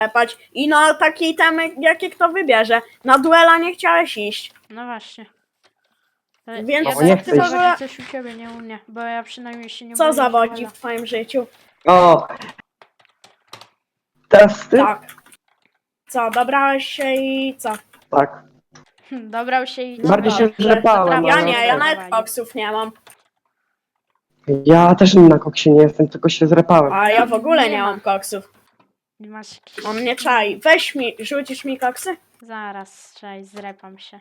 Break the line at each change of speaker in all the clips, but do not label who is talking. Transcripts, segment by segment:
sklepać i na takiej temy, jakie kto wybierze. Na duela nie chciałeś iść.
No właśnie.
Więc
ja
co nie chcesz?
zawodzi coś u ciebie, nie u mnie, bo ja przynajmniej się nie
Co
boję
zawodzi
duela.
w twoim życiu?
O! Testy?
Tak. Co, dobrałeś się i co?
Tak.
Dobrał się i...
Bardziej się zrepałem,
Ja
ale
nie, ja nawet
nawet
koksów nie mam.
Ja też na koksie nie jestem, tylko się zrepałem.
A ja w ogóle
Nie
nie
ma.
mam koksów.
Nie masz jakiś...
On nie czai. Weź mi, rzucisz mi koksy?
Zaraz, czekaj, zrepam się.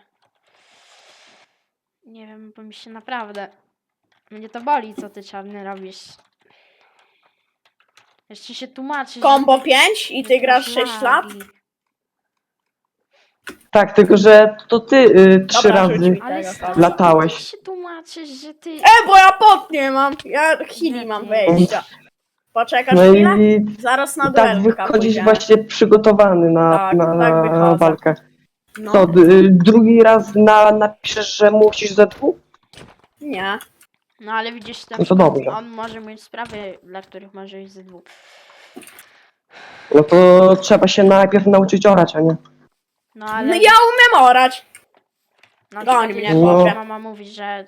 Nie wiem, bo mi się naprawdę... Mnie to boli, co ty czarny robisz. Jeszcze się tłumaczysz.
Kombo
że
5 i
że
ty
masz
grasz 6 lat?
lagi.
Tak, tylko że to ty 3
Dobra, rzuć
razy
mi.
Ale
Tego,
stary,
tak.
latałeś.
ty się tłumaczysz, że ty...
Bo ja pot nie mam. Ja chwili mam wejścia. Poczekasz
No
chwilę?
i
Zaraz na
i tak
duelka
wychodzisz
pójdziemy.
właśnie przygotowany na,
Tak,
na
tak wychodzę.
walkę.
No,
Co, drugi raz napiszesz, że musisz ze dwóch?
nie.
No ale widzisz, na
No to
przykład
dobrze.
on może mieć sprawy, dla których może iść ze dwóch.
No to trzeba się najpierw nauczyć orać, a nie?
No ale...
No ja umiem orać.
Na
goń
przykład,
mnie,
jak
chłopie.
mama mówi,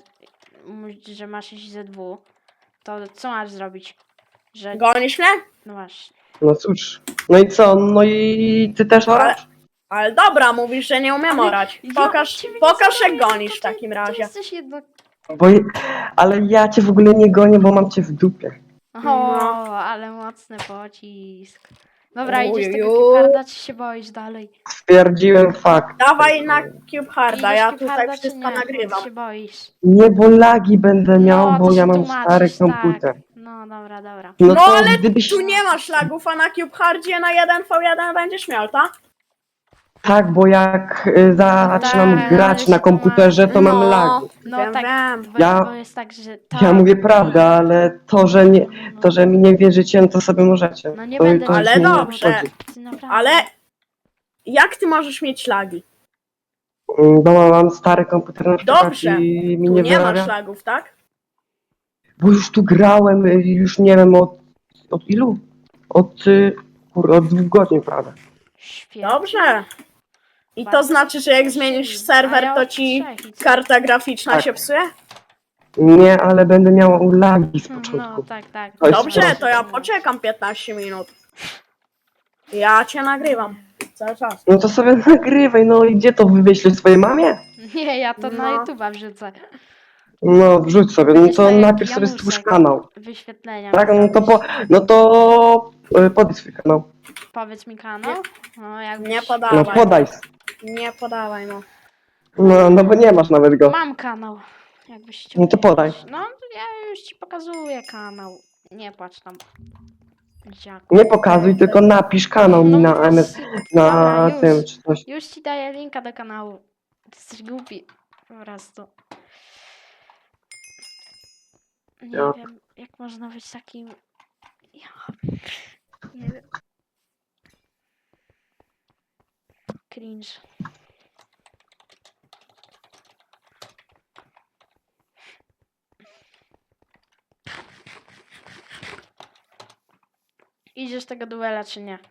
że masz iść ze dwóch, to co masz zrobić? Że...
Gonisz mnie?
No właśnie.
No cóż. No i co? No i ty też orasz?
Ale dobra, mówisz, że nie umiem
Ale
orać.
ja
Pokaż,
ciebie nie
pokaż jak
zabronię,
gonisz w
to ty-
takim
Ty
razie.
jesteś jednak...
Bo, ale ja cię w ogóle nie gonię, bo mam cię w dupie.
O,
No.
ale mocny pocisk. Dobra, idziesz
Ujuju.
tego kiparda, czy się boisz dalej?
Stwierdziłem fakt.
Dawaj na Cube Harda,
Idziesz
ja
kiparda,
tutaj
czy
wszystko
nie?
nagrywam.
Się boisz?
Nie, bo lagi będę miał,
No, to
bo ja
się
mam
tłumaczysz,
stary komputer.
Tak. No dobra, dobra.
No
to
ale
gdybyś...
Tu nie masz lagów, a na Cube Hardzie na 1v1 będziesz miał, tak?
Tak, bo jak zaczynam
Tak,
grać
ale
na
się
komputerze, to mam lagi.
No
wiem,
tak,
wiem.
bo jest tak, że
Ja mówię prawdę, ale to, że nie, to, że mi nie wierzycie, no to sobie możecie.
No nie
to,
będę
to
ci
już
Ale
mnie nie
dobrze.
obchodzi.
Ty naprawdę-
Ale jak ty możesz mieć lagi?
Bo mam stary komputer na przykład
Dobrze.
i mi
Tu
nie
nie masz
wyrabia.
lagów, tak?
Bo już tu grałem, już nie wiem od ilu? Od 2 godzin, prawda?
Świetnie.
Dobrze. I to
Bardzo
znaczy, że jak zmienisz serwer,
A ja
to
od
ci
3 i co?
karta graficzna
Tak.
się psuje?
Nie, ale będę miał lagi z
No
początku.
tak, tak.
To jest
Dobrze,
proste.
to ja poczekam 15 minut. Ja cię nagrywam cały czas.
No to sobie nagrywaj, no i gdzie to wyślesz swojej mamie?
Nie, ja to na
No.
YouTube'a wrzucę.
No wrzuć sobie, no
Będziesz
to
miał
najpierw sobie
Janusek.
stwórz kanał.
Wyświetlenia.
Tak,
mi
no to podaj swój kanał.
Powiedz mi kanał. No, jakbyś...
Nie
No
podawaj.
podaj.
Nie podawaj, no.
No bo nie masz nawet go.
Mam kanał. Jakbyś chciał.
No to podaj.
No, ja już ci pokazuję kanał. Nie płacz tam. Dziaku.
Nie pokazuj, tylko napisz kanał mi na MS, na
Dobra,
tym
już.
czy coś.
Już ci daję linka do kanału. Ty jesteś głupi. Po prostu. Nie
Ja.
wiem, jak można być takim... Ja... Nie wiem. Cringe. Idziesz tego duela, czy nie?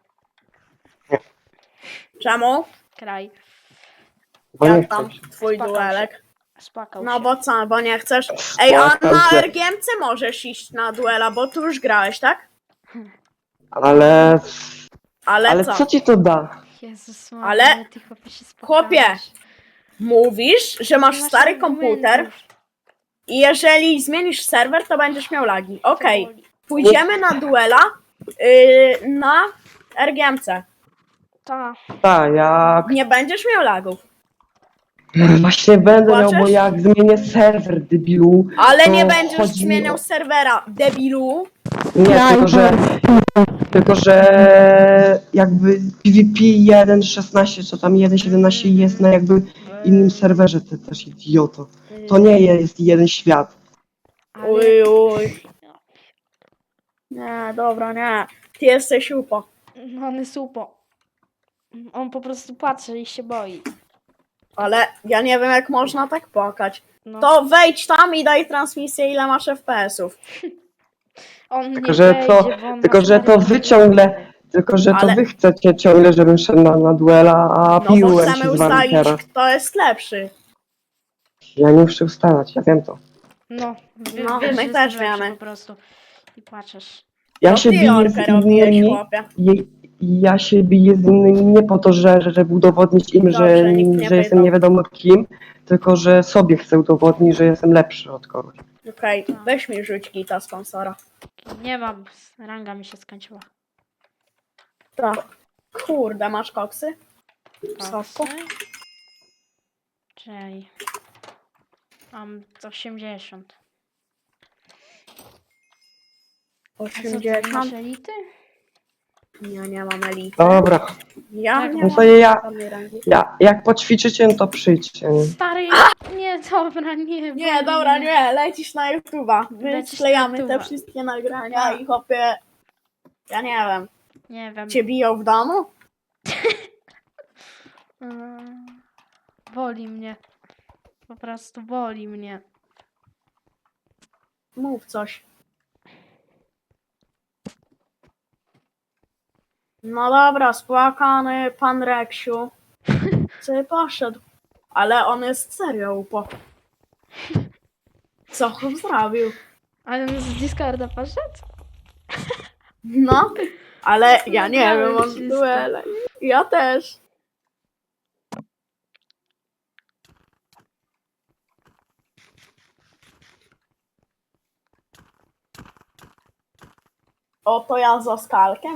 Czemu?
Kraj.
Bo nie
Jak tam
chcesz.
twój
Spakał
duelek?
Spłakał
No
się.
bo co, bo nie chcesz? Ej, a
Spłakał
na
się.
RGMC możesz iść na duela, bo tu już grałeś, tak?
Ale
Ale co?
co ci to da?
Jezus
Ale-
Maria, ty chłopie się
Chłopie,
spłakałeś.
Mówisz, że masz
Nie
stary
argumentów.
komputer i jeżeli zmienisz serwer, to będziesz miał lagi. Okej,
To boli.
pójdziemy na duela na RGMC.
Ta.
Tak, jak...
Nie będziesz miał lagów.
Właśnie będę miał, bo
Płaczesz?
jak zmienię serwer, debilu...
Ale
to
nie będziesz
chodzi mi
zmieniał
o-
serwera, debilu.
Nie, tylko że jakby PvP 1.16 czy tam 1.17 jest na jakby innym serwerze, ty też idioto. To nie jest jeden świat.
Ale...
Uj, uj. Nie, dobra, nie. Ty jesteś upo.
No on jest upo. On po prostu patrzy i się boi.
Ale ja nie wiem, jak można tak płakać.
No.
To wejdź tam i daj transmisję, ile masz FPS-ów.
On
Tylko,
nie
że
wejdzie,
to,
bo on
tylko,
ma
że to
stary
wy
komputer.
ciągle, Tylko, że to
Ale-
wy chcecie ciągle, żebym szedł na duela, a
No bo
piłem się
chcemy
z wami
ustalić,
teraz.
kto jest lepszy.
Ja nie muszę ustalać, ja wiem to.
No,
No,
wiesz,
my
że
też
jestem lepszy
wiemy.
po prostu. I płaczesz.
Ja
To
się
ty
biję
Jorkę
z
robiłeś,
innymi,
chłopie.
ja się biję z innymi nie po to, żeby udowodnić im,
Dobrze, nikt nie
że jestem
pytał.
nie wiadomo kim, tylko że sobie chcę udowodnić, że jestem lepszy od kogoś.
Okej, weź mi rzuć gita sponsora.
Nie mam, ranga mi się skończyła.
Tak. Kurde, masz koksy? Sosku?
Koksy. Czej. Mam 80. A co, ty nie masz
80?
elity?
Ja nie mam elity.
Dobra,
Ja
Tak,
nie
no
mam
to ja,
żadnej rangi.
jak poćwiczycie, no to przyjdźcie. Nie?
Stary, nie, dobra, nie.
Nie,
boli
dobra,
mnie.
nie, lecisz na YouTube'a. My
Lecisz na
sklejamy te
YouTube'a.
wszystkie nagrania
No.
i chłopie... Ja nie wiem.
Nie wiem.
Cię biją w domu?
Boli mnie. Po prostu boli mnie.
Mów coś. No dobra, spłakany pan Reksiu. Sobie poszedł. Ale on jest serio upo. Co on zrobił?
Ale on z Discorda poszedł?
No, ale ja nie
Nagrałem
wiem, on
wszystko.
duele. Ja też. Oto ja z Oskalkiem?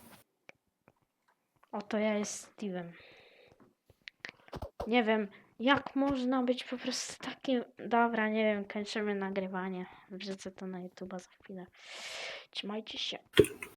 Oto ja jest Steve'em. Nie wiem, jak można być po prostu takim... Dobra, nie wiem, kończymy nagrywanie. Wrzucę to na YouTube'a za chwilę. Trzymajcie się.